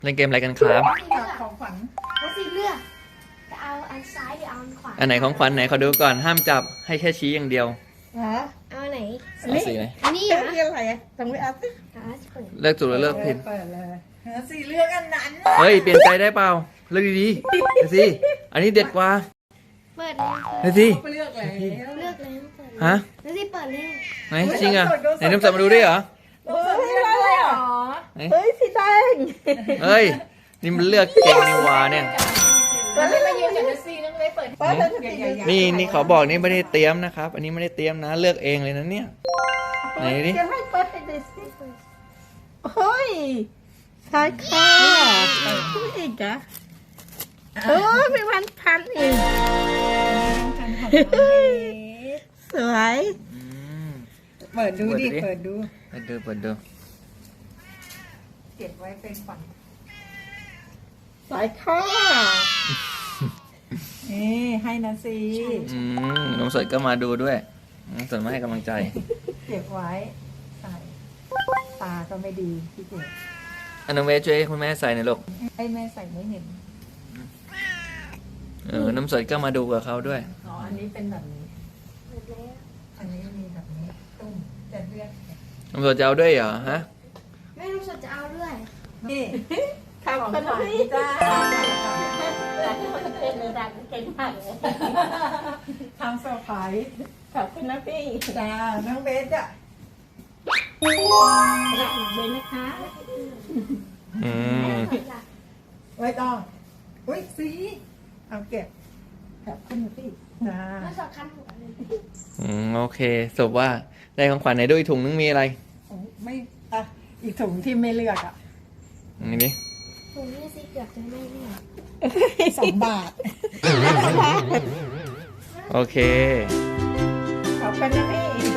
เล่นเกมอะไรกันครับของขวัญแล้วสีเลือกจะเอาอันซ้ายหรือเอาอันขวาอันไหนของขวัญไหนขอดูก่อนห้ามจับให้แค่ชี้อย่างเดียวฮะเอาอันไหนเอาสีไหนอันนี้เลืเหรอกอเรื่องอะไรตรงนี้เอาสิอ่ะเปิดเลือกถูกหรือเลือกผิดเปิดเลยสีเลือกอันนั้นเฮ้ยเปลี่ยนใจได้เปล่าเลือกดีๆเดี๋ยวสิอันนี้เด็ดกว่าเปิดเลยเดี๋ยวสิเลือกแล้วเลือกเลยเปิดเลยฮะแล้วสิเปิดเลยไหนจริงอ่ะไหนน้ำสดมาดูด้วยเหรอเฮ้ยอะไรอ่ะไหนเฮ้ยสีแดงเฮ้ยนี่มันเลือกเก่งนี่หวาเนี่ยแล้วไม่มายืนกับเดซี่ต้องไม่เปิดเปิดเลยนี่ขอบอกนี่ไม่ได้เตรียมนะครับ อันนี้ไม่ได้เตรียมนะเลือกเองเลยนะเนี่ยไหนดิจะไม่เปิดให้เดซี่เฮ้ยใช่ค่ะผู้อีกอ่ะมีวันพันอีกสวยอืมเปิดดูดิเปิดดูเปิดดูเก็บไว้เป็นฝันสายข้อนี่ให้นะสิน้ำสดก็มาดูด้วยน้ำสดมาให้กำลังใจเก็บไว้ใส่ตาก็ไม่ดีพี่เก๋อันน้องเวช่วยให้คุณแม่ใส่หน่อยลูกให้แม่ใส่ไม่เห็นน้ำสดก็มาดูกับเขาด้วยอ๋ออันนี้เป็นแบบนี้เปิดแล้วอันนี้มีแบบนี้ตุ้มจะเลือกน้ำสดจะเอาด้วยเหรอฮะแม่ลูกสดจะเอาด้วยนี่ทำขนมจ้าทำเซอร์ไพรส์ขอบคุณนะพี่จ้าน้องเบสอ่ะเบสนะคะอืมเปิดละไว้ต้องอุ้ยสีเอาเก็บขอบคุณนะพี่จ้าแม่สดคันหัวเลยโอเคสรุปว่าได้ของขวัญไหนด้วยถุงนึงมีอะไรไม่อ่ะอีกถุงที่ไม่เลือกอ่ะนี่ดิผมนี่สิเกือบจะไม่เลือก 2 บาทโอเคขอบคุณนะพี่